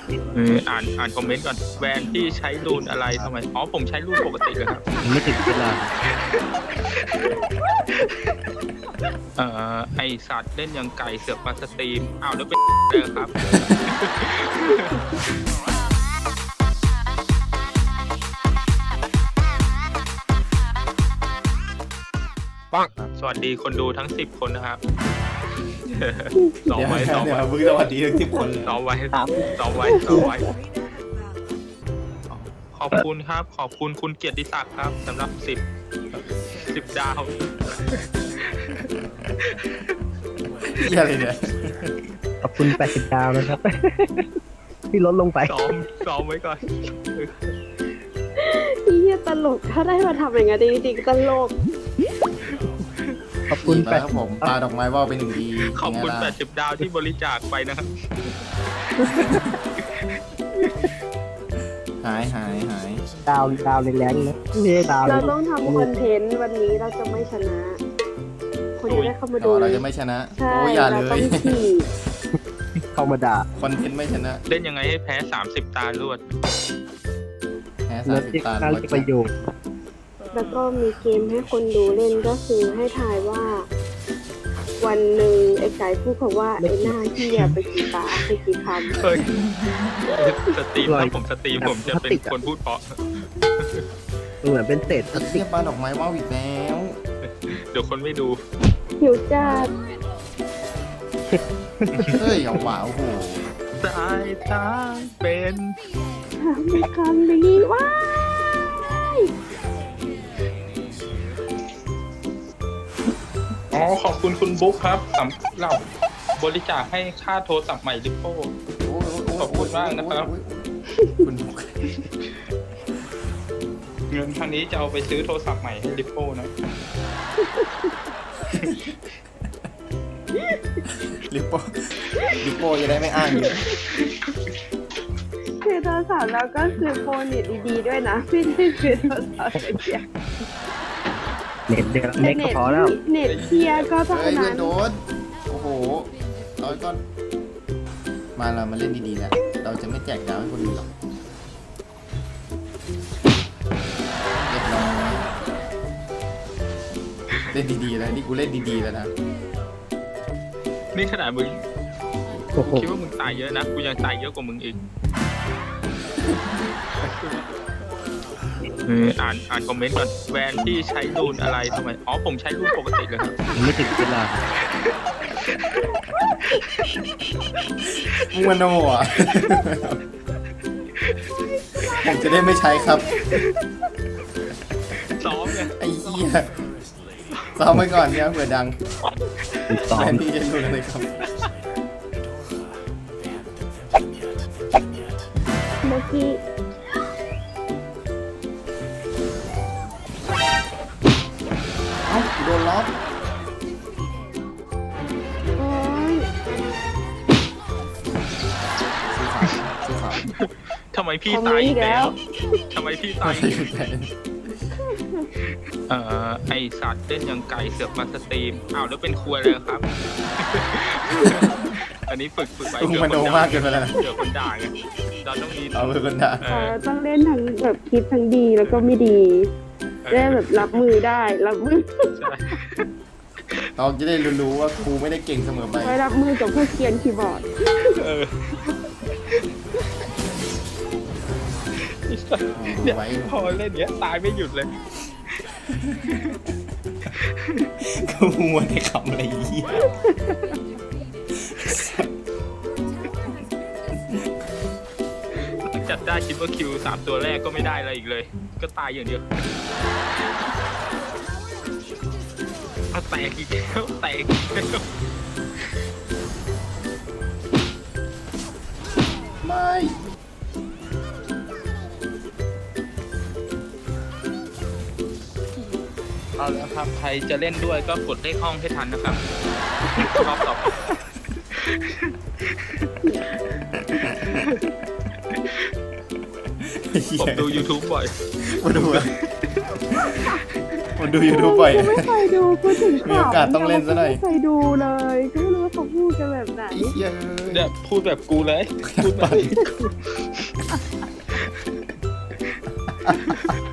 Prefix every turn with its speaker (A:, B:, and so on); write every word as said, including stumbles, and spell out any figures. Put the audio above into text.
A: เอออ่านอ่านคอมเมนต์ก่อนแวนที่ใช้รูนอะไรทำไมอ๋อผมใช้รูนปกติเลยครับ
B: ไม่ถึงเวลา
A: เอ่อไอสัตว์เล่นยังไก่เสือกมาสตรีมอ้าวแล้วเป็นเด้อครับ ปังสวัสดีคนดูทั้งสิบคนนะครับสอง
C: เดี๋ยว
A: ไว้สอง
C: เดี๋ย
A: ไว้
C: วมึงสวัสดีทั้งสิบคน
A: สองไว้สองไว้สองไว้ขอบคุณครับ ขอบคุณคุณเกียรติศักดิ์ครับสำหรับสิบสิบดาว
C: เหี้ยอะไรเนี่ย
B: ขอบคุณแปดสิบดาวนะครับ ที่ลดลงไป
A: ซ้อมซ้อมไว้ก่อน
D: เฮียตลกถ้าได้มาทำอย่างนั้นจริงๆตลก
B: ขอบคุณ
C: ดี
B: แป
C: แล้
B: ด
C: วครับผมปลาดอกไม้ว่าวเป็นหนึ่งดี
A: ขอบคุณ
C: ยัง
A: แป
C: ไง
A: ด
C: ล่ะ
A: สิบดาวที่บริจาคไปนะครับ
C: หายหายหาย
B: ดาวดาวแรงๆนะไม่ใช่ดาว
D: เราต้องทำคอนเทนต์วันนี้เราจะไม่ชนะ คนจะได้เข้ามา
C: ต่
D: ดู
C: อเราจะไม่ชนะ
D: ใช่
C: โอ้ยอย่าเล
D: เราต้อย งขี่
B: เข้ามาด่า
C: คอนเทนต์ไม่ชนะ
A: เล่นยังไงให้แพ้สามสิบตาลวด
C: แพ้
B: เลิ
C: สาม
B: ศ
C: สิบ
B: ที่
C: ตา
B: น่า
C: ร้อย
B: จะประโยชน์
D: แล้วก็มีเกมให้คนดูเล่นก็คือให้ทายว่า วันหนึ่งไอ้ไก่พูดคำว่าไอ้หน้าเฮียไปกี่ตาไปกี่คำ
A: เฮ้ยสตรีมถ้าผมสตรีมผมจะเป็นคนพูดเพราะ
B: เหมือนเป็นเศษพลาส
C: เที
B: ติ
C: ย
B: ก
C: บปลาดอกไม้ว่าวอีกแล้ว
A: เดี๋ยวคนไม่ดู
D: หิวจัด
C: เฮ้ยเอาว่ะโอ้โห
A: สายตาเป็น
D: มีคำนี้ว้าย
A: อ๋อขอบคุณคุณบุ๊คครับสำหรับบริจาคให้ค่าโทรศัพท์ใหม่ลิปโป้
C: โอ้ยโย
A: ขอบคุณมากนะครับ
C: โอ้ยคุณบุ๊ค
A: เงินทางนี้จะเอาไปซื้อโทรศัพท์ใหม่ให้ลิปโป้นะ
C: ลิปโป้ลิปโป้จะได้ไม่อ้างเยอะ
D: คือโทรศัพท์แล้วก็คือโฟนเน็ตดีๆด้วยนะไม่ได้คือโทรศัพท์เสีย
B: เน็ตเดียวเน็ตก็พอแล้ว
D: เน็ตเทียก็เท่า
C: เฮ้ยเพื่
D: นั้
C: อน
D: น
C: โดนโอ้โหร้อยก้อนมาเรามาเล่นดีๆแล้วเราจะไม่แจกดาวให้คนอื่นหรอกเรียบร้อยเล่นดีๆแล้วนี่กูเล่นดีๆแล้วนะ
A: นี่ขนาดมึง
B: โอ้โห
A: คิดว่ามึงตายเยอะนะกูยังตายเยอะกว่ามึงอีกเอออ่านอ่านคอมเมนต์ก่อนแวนที่ใช้รูนอะไรทำไมอ๋อผมใช้รูนปกติเลยครับ
B: ไม่ถึงเวลา
C: มึงมันโน่อะผมจะได้ไม่ใช้ครับ
A: ซ้อมไง
C: ไอ้เหี้ยซ้อมไว้ก่อนเนี่ยเผื่อดัง
B: ซ้อ
C: แท
B: ม
C: นที่จะรู้เลยครับ
D: เมื่อกี้
C: เอ้าโดนล็อก
D: โอ้ย
C: ซื้อขาวซื้อขาว
A: ทำไมพี่ตายอีกแล้วทำไมพี่ตาย
C: ไม่ใช่แผน
A: เอ่อไอสัตว์เล่นยังไก่เสือกมาสตรีมอ้าวแล้วเป็นครัวเลยครับ อันนี้ฝึกฝึกไป
C: มึงมันโนมากเกินไปแล้วนะ
A: เดี๋ยวคนด่าไงเราต้องมี
C: เอาไปคนด่า
A: เอ
D: เอ
A: อ
D: อต้องเล่นทั้งแบบคลิปทั้งดีแล้วก็ไม่ดีได้แบบรับมือได้รับมือ
A: ใช่
C: เราจะได้รู้ว่าครูไม่ได้เก่งเสมอไป
D: ไว้รับมือกับพวกเกรียนคีย์บอร์ด
A: เออเนี่ย
C: ไว้
A: พอเล่นเนี้ยตายไม่หยุดเลย
C: ก็มัวแต่คำอะไรเหี้ย
A: จัดได้คิดว่าคิวสามตัวแรกก็ไม่ได้อะไรอีกเลย ก็ตายอย่างเดียวเอาแตกอีกแล้วแตกอีกแล้ว
C: ไม่
A: เอาแล้วครับใครจะเล่นด้วยก็กดเลขห้องให้ทันนะครับรอบต่อไปผมดู YouTube บ่อย
C: มาดูอะมาดูยูทูบบ่อย
D: กูไม่เคยดูพูดถึงข่าว
C: มีโอกาสต้องเล่นซะหน่อย
D: ไม่เคยดูเลยก็ไม่รู้เขาพูดกันแบบไหน
C: ไอ้เหี้ย
A: เนี่ยพูดแบบกูเลยพูดแบบ